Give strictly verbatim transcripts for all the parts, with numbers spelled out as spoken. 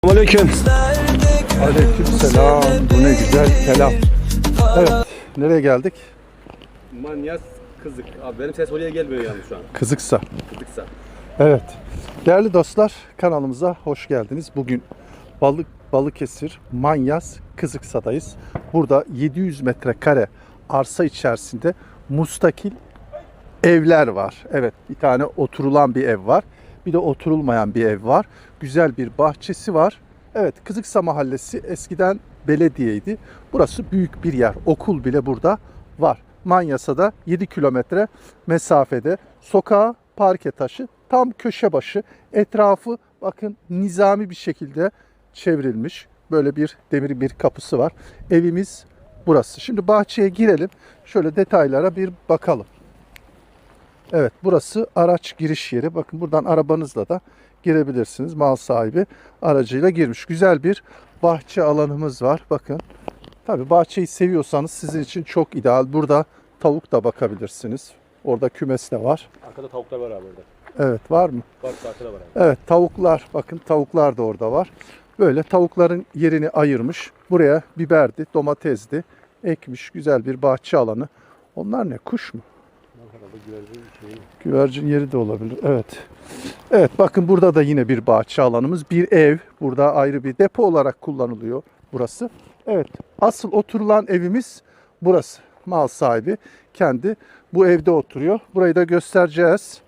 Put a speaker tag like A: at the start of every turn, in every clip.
A: Aleyküm.
B: Aleyküm selam. Bu ne güzel kelam. Evet. Nereye geldik?
A: Manyas Kızık. Abi benim ses oraya gelmiyor yalnız şu an.
B: Kızıksa.
A: Kızıksa.
B: Evet. Değerli dostlar, kanalımıza hoş geldiniz. Bugün Balık Balıkesir Manyas Kızıksa'dayız. Burada yedi yüz metrekare arsa içerisinde mustakil evler var. Evet, bir tane oturulan bir ev var. Bir de oturulmayan bir ev var. Güzel bir bahçesi var. Evet, Kızıksa Mahallesi eskiden belediyeydi. Burası büyük bir yer. Okul bile burada var. Manyas'a da yedi kilometre mesafede. Sokağı, parke taşı, tam köşe başı. Etrafı bakın nizami bir şekilde çevrilmiş. Böyle bir demir bir kapısı var. Evimiz burası. Şimdi bahçeye girelim. Şöyle detaylara bir bakalım. Evet, burası araç giriş yeri. Bakın buradan arabanızla da girebilirsiniz. Mal sahibi aracıyla girmiş. Güzel bir bahçe alanımız var. Bakın. Tabii bahçeyi seviyorsanız sizin için çok ideal. Burada tavuk da bakabilirsiniz. Orada kümes de var.
A: Arkada tavuklar var abi orada.
B: Evet, var mı?
A: Var, arkada var abi.
B: Evet, tavuklar. Bakın tavuklar da orada var. Böyle tavukların yerini ayırmış. Buraya biberdi, domatesdi. Ekmiş. Güzel bir bahçe alanı. Onlar ne? Kuş mu? Güvercin yeri de olabilir. Evet. Evet, bakın burada da yine bir bahçe alanımız. Bir ev. Burada ayrı bir depo olarak kullanılıyor burası. Evet. Asıl oturulan evimiz burası. Mal sahibi kendi bu evde oturuyor. Burayı da göstereceğiz.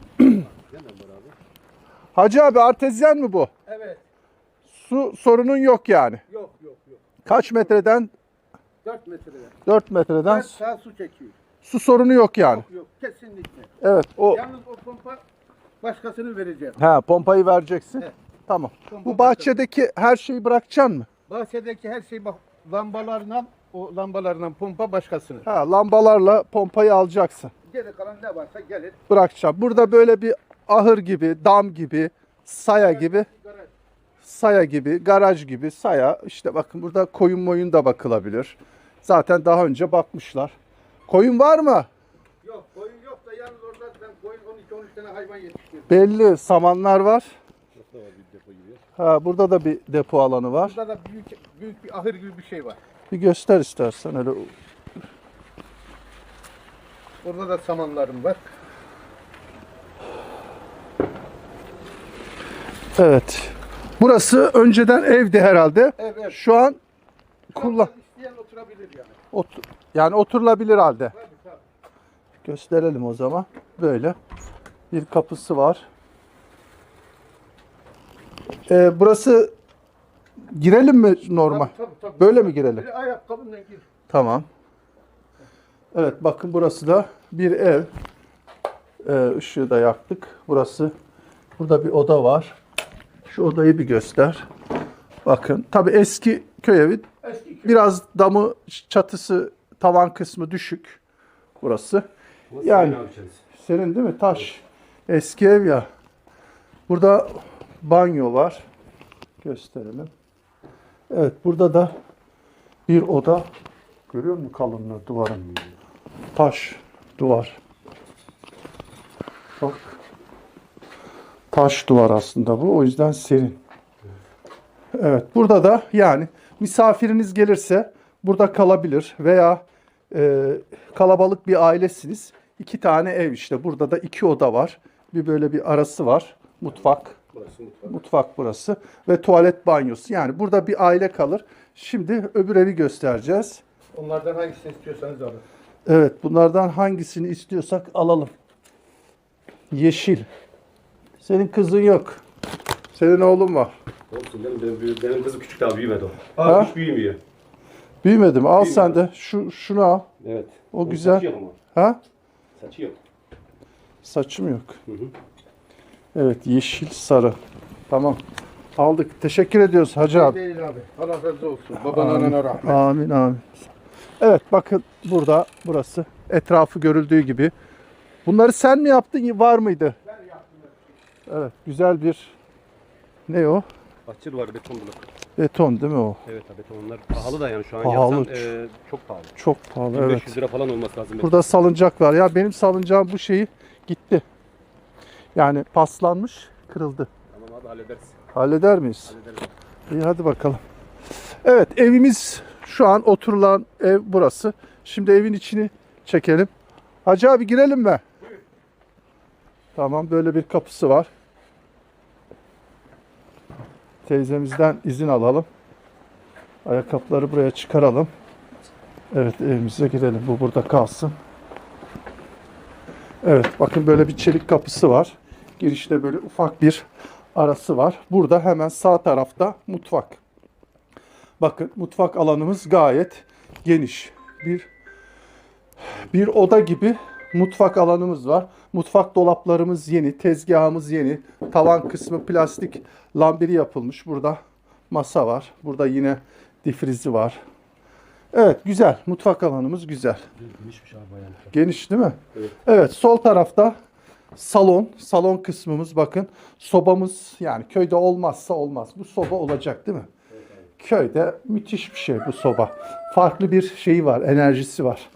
B: Hacı abi, artezyen mi bu?
C: Evet.
B: Su sorunun yok yani.
C: Yok yok yok.
B: Kaç metreden?
C: dört metreden.
B: dört metreden
C: Kaç saat su çekiyor?
B: su sorunu yok yani.
C: Yok yok kesinlikle.
B: Evet, o
C: Yalnız o pompa başkasını vereceğim.
B: ha pompayı vereceksin.
C: Evet.
B: Tamam.
C: Pompa
B: Bu bahçedeki her şeyi bırakacaksın mı?
C: Bahçedeki her şey bak lambalarla o lambalarla pompa başkasının.
B: Ha, lambalarla pompayı alacaksın.
C: Geri kalan ne varsa gelir.
B: Bırakacağım. Burada böyle bir ahır gibi, dam gibi, saya gibi,
C: Garaj.
B: saya gibi, garaj gibi, saya. İşte bakın burada koyun moyun da bakılabilir. Zaten daha önce bakmışlar. Koyun var mı?
C: Yok koyun yok da yalnız orada ben koyun on iki on üç tane hayvan yetiştirdim.
B: Belli. Samanlar var. Ha, burada da bir depo alanı var.
C: Burada da büyük büyük bir ahır gibi bir şey var.
B: Bir göster istersen öyle.
C: Orada da samanlarım var.
B: Evet. Burası önceden evdi herhalde.
C: Evet, evet.
B: Şu an
C: Şu
B: kullan.
C: anda isteyen oturabilir yani.
B: Otur, yani oturulabilir halde.
C: Tabii tabii.
B: Gösterelim o zaman. Böyle bir kapısı var. Ee, burası girelim mi normal?
C: Tabii, tabii, tabii.
B: Böyle mi girelim?
C: Böyle ayakkabınla gir.
B: Tamam. Evet, bakın burası da bir ev. Ee, ışığı da yaktık. Burası. Burada bir oda var. Şu odayı bir göster. Bakın. Tabii eski köy evi.
C: Eski köy.
B: Biraz damı, çatısı, tavan kısmı düşük. Burası. Yani senin değil mi? Taş. Eski ev ya. Burada banyo var. Gösterelim. Evet, burada da bir oda. Görüyor musun kalınlığı duvarın? Taş duvar. Bak. Taş duvar aslında bu. O yüzden serin. Evet, burada da yani misafiriniz gelirse burada kalabilir veya e, kalabalık bir ailesiniz. İki tane ev işte. Burada da iki oda var. Bir böyle bir arası var. Mutfak.
A: Burası mutfak.
B: Mutfak burası. Ve tuvalet banyosu. Yani burada bir aile kalır. Şimdi öbür evi göstereceğiz.
C: Onlardan hangisini istiyorsanız alın.
B: Evet, bunlardan hangisini istiyorsak alalım. Yeşil. Senin kızın yok. Senin oğlun var.
A: Olsun benim, benim, benim kızım küçük daha büyümedi o.
B: Ha?
A: Aa, hiç büyümüyor.
B: Büyümedi mi? Al
A: Büyümedi.
B: sen de. Şu, şunu al.
A: Evet.
B: O
A: Onun
B: güzel.
A: Saçı yok ama.
B: Ha?
A: Saçı yok.
B: Saçım yok.
A: Hı hı.
B: Evet, yeşil, sarı. Tamam. Aldık. Teşekkür ediyoruz Hacı abi.
C: Değil abi. Allah razı olsun. Baban anana rahmet.
B: Amin amin. Evet, bakın burada burası. Etrafı görüldüğü gibi. Bunları sen mi yaptın? Var mıydı?
C: Ben yaptım.
B: Evet, güzel bir ne o?
A: Bahçe duvarı, beton blok.
B: Beton değil mi o?
A: Evet abi, betonlar pahalı da yani şu an
B: Pahalı.
A: yapsan e, çok pahalı.
B: Çok pahalı,
A: bin
B: evet.
A: beş yüz lira falan olması lazım.
B: Burada salıncak var. Ya benim salıncağım bu şeyi gitti. Yani paslanmış, kırıldı.
A: Tamam abi, hallederiz.
B: Halleder miyiz? İyi hadi bakalım. Evet evimiz şu an oturulan ev burası. Şimdi evin içini çekelim. Hacı abi girelim mi? Tamam böyle bir kapısı var. Teyzemizden izin alalım. Ayakkabıları buraya çıkaralım. Evet evimize girelim. Bu burada kalsın. Evet bakın böyle bir çelik kapısı var. Girişte böyle ufak bir arası var. Burada hemen sağ tarafta mutfak. Bakın mutfak alanımız gayet geniş. Bir bir oda gibi mutfak alanımız var. Mutfak dolaplarımız yeni, tezgahımız yeni. Tavan kısmı plastik lambiri yapılmış. Burada masa var. Burada yine difrizi var. Evet güzel. Mutfak alanımız güzel.
A: Genişmiş abi bayağı.
B: Geniş değil mi?
A: Evet.
B: Evet sol tarafta salon. Salon kısmımız bakın. Sobamız yani köyde olmazsa olmaz. Bu soba olacak değil mi?
A: Evet, evet.
B: Köyde müthiş bir şey bu soba. Farklı bir şeyi var, enerjisi var.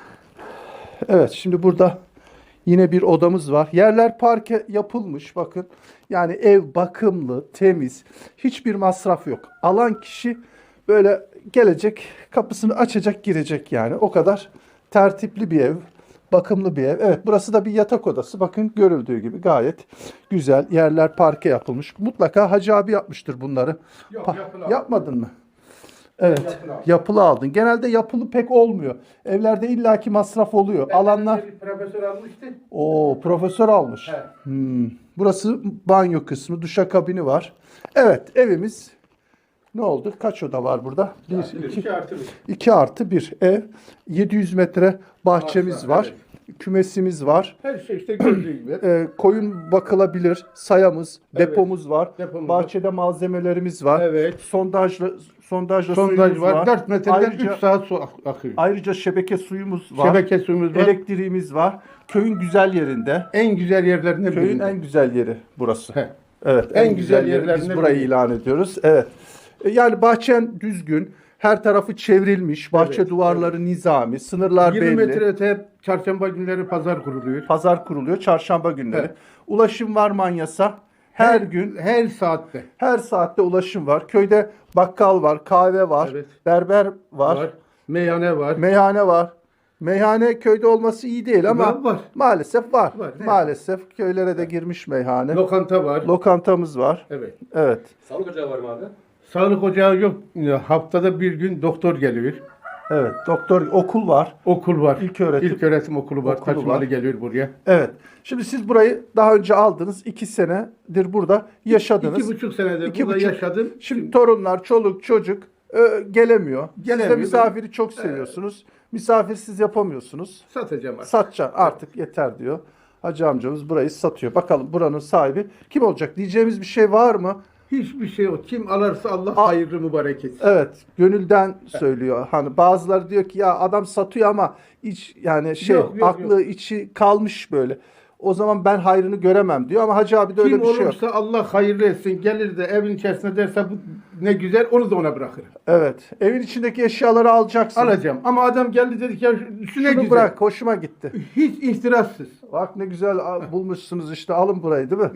B: Evet şimdi burada yine bir odamız var. Yerler parke yapılmış bakın. Yani ev bakımlı, temiz. Hiçbir masraf yok. Alan kişi böyle gelecek, kapısını açacak, girecek yani. O kadar tertipli bir ev, bakımlı bir ev. Evet burası da bir yatak odası. Bakın görüldüğü gibi gayet güzel. Yerler parke yapılmış. Mutlaka Hacı abi yapmıştır bunları.
C: Yok,
B: Pa-
C: yapılı aldım.
B: Yapmadın mı? Evet.
C: Yapılı aldım.
B: Yapılı aldın. Genelde yapılı pek olmuyor. Evlerde illaki masraf oluyor. Alanlar.
C: Bir profesör almıştı.
B: O profesör almış.
C: He.
B: Hmm. Burası banyo kısmı, duşakabini var. Evet, evimiz ne oldu? Kaç oda var burada? Bir, iki,
C: İki artı bir.
B: iki artı bir ev. yedi yüz metre bahçemiz
C: Bahçe,
B: var. Kümesimiz var.
C: Her şey işte gördüğü gibi.
B: Ee, koyun bakılabilir. Sayamız,
C: Evet.
B: depomuz var.
C: Depomuz var.
B: Bahçede malzemelerimiz var.
C: Evet.
B: Sondajla sondajla
C: Sondaj
B: suyumuz
C: var.
B: var.
C: dört metreden
B: Ayrıca,
C: üç saat su ak- akıyor.
B: ayrıca şebeke suyumuz var.
C: Şebeke suyumuz var.
B: Elektriğimiz var. Köyün güzel yerinde.
C: En güzel yerlerinden
B: Köyün
C: birinde.
B: en güzel yeri burası.
C: He.
B: Evet.
C: En güzel
B: yeri. Biz
C: yerlerinden
B: burayı
C: biri.
B: ilan ediyoruz. Evet. E, Yani bahçen düzgün. Her tarafı çevrilmiş. Bahçe
C: Evet,
B: duvarları nizami. Sınırlar
C: yirmi
B: belli.
C: metre öte çarşamba günleri pazar kuruluyor.
B: Pazar kuruluyor çarşamba günleri.
C: Evet.
B: Ulaşım var Manyas'a. Her, gün,
C: her saatte
B: her saatte ulaşım var. Köyde bakkal var, kahve var,
C: Evet.
B: berber var,
C: var. Meyhane var.
B: meyhane var. Meyhane köyde olması iyi değil ama
C: Var, var.
B: maalesef var.
C: Var, evet.
B: Maalesef köylere de girmiş meyhane.
C: Lokanta var.
B: Lokantamız var.
C: Evet.
B: Evet.
A: Sağlık ocağı var mı abi?
C: Sağlık ocağı yok. Haftada bir gün doktor geliyor.
B: Evet. Doktor okul var.
C: Okul var.
B: İlköğretim.
C: İlköğretim okulu var.
B: Okulu
C: Taşımalı
B: var.
C: geliyor buraya.
B: Evet. Şimdi siz burayı daha önce aldınız. iki senedir burada yaşadınız.
C: İki buçuk senedir
B: İki
C: burada
B: buçuk.
C: yaşadım.
B: Şimdi torunlar, çoluk, çocuk e, gelemiyor. Siz de
C: Gelemiyor.
B: misafiri çok seviyorsunuz. Misafirsiz yapamıyorsunuz.
C: Satacağım artık.
B: Satacaksın artık yeter diyor. Hacı amcamız burayı satıyor. Bakalım buranın sahibi kim olacak diyeceğimiz bir şey var mı?
C: Hiçbir şey yok. Kim alırsa Allah
B: A-
C: hayırlı mübarek etsin.
B: Evet, gönülden söylüyor. Hani bazıları diyor ki ya adam satıyor ama iç yani şey
C: Yok, yok,
B: aklı içi kalmış böyle. O zaman ben hayrını göremem diyor ama Hacı abi de öyle
C: Kim
B: bir şey yok.
C: olursa Allah hayırlı etsin. Gelir de evin içerisinde derse bu ne güzel onu da ona bırakırım.
B: Evet. Evin içindeki eşyaları alacaksın.
C: Alacağım. Ama adam geldi dedi ki ya şu şu ne
B: Şunu
C: güzel.
B: bırak, hoşuma gitti.
C: Hiç ihtirafsız.
B: Bak ne güzel a- bulmuşsunuz işte alın burayı değil mi?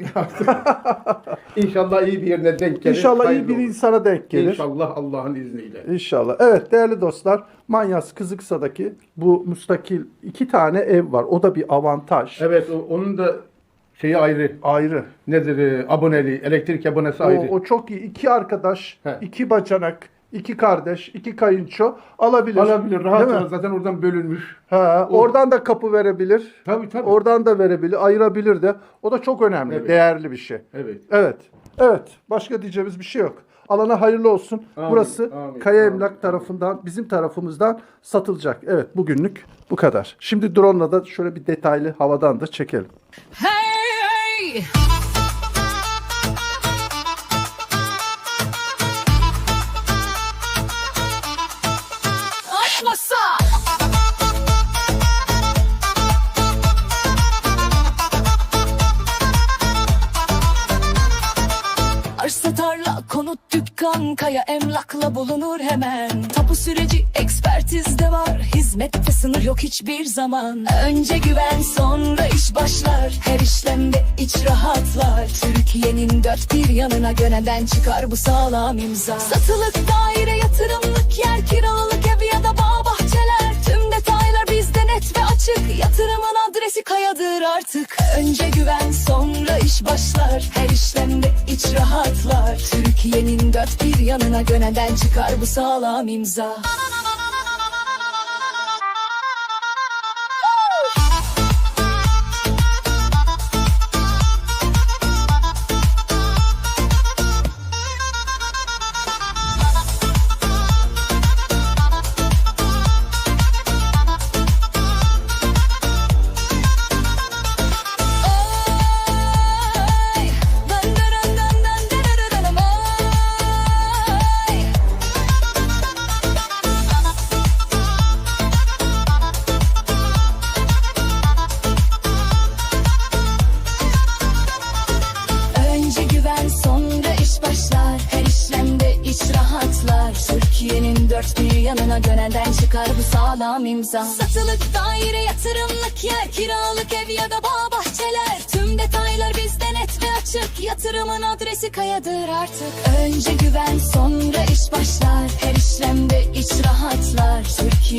C: İnşallah iyi bir yerine denk gelir.
B: İnşallah iyi
C: hayırlı
B: bir
C: olur.
B: insana denk gelir.
C: İnşallah Allah'ın izniyle.
B: İnşallah. Evet değerli dostlar, Manyas Kızıksa'daki bu müstakil iki tane ev var. O da bir avantaj.
C: Evet o- onun da şeyi ayrı.
B: Ayrı.
C: Nedir? e, Aboneli, elektrik abonesi ayrı.
B: O, o çok iyi. İki arkadaş,
C: He.
B: iki bacanak, iki kardeş, iki kayınço alabilir.
C: Alabilir. Rahat
B: Değil mi?
C: rahat zaten oradan bölünmüş.
B: Ha, oradan da kapı verebilir.
C: Tabii tabii.
B: Oradan da verebilir, ayırabilir de. O da çok önemli,
C: Evet.
B: değerli bir şey.
C: Evet.
B: Evet. Evet. Başka diyeceğimiz bir şey yok. Alana hayırlı olsun.
C: Amin,
B: Burası
C: amin,
B: Kaya
C: amin,
B: Emlak
C: amin.
B: tarafından, bizim tarafımızdan satılacak. Evet, bugünlük bu kadar. Şimdi drone'la da şöyle bir detaylı havadan da çekelim.
D: Hey! Açmasa! Arsa tarla konut dükkan çıkan kaya emlakla bulunur hemen. Tapu süreci ekspertizde var, hizmette sınır yok hiçbir zaman. Önce güven sonra iş başlar, her işlemde iç rahatlar. Türkiye'nin dört bir yanına göneden çıkar bu sağlam imza. Satılık daire, yatırımlık yer, kiralık ev ya da bağ bahçeler. Tüm detaylar bizde net ve açık, yatırımın adresi kayadır artık. Önce güven sonra iş başlar, her işlemde iç rahatlar. Türkiye'nin dört bir yanına göneden çıkar bu sağlam imza. Türkiye'nin dört bir yanına gönenden çıkar bu sağlam imza. Satılık daire, yatırımlık yer, kiralık ev ya da bağ bahçeler. Tüm detaylar bizde net ve açık, yatırımın adresi kayadır artık. Önce güven sonra iş başlar, her işlemde iç rahatlar. Türkiye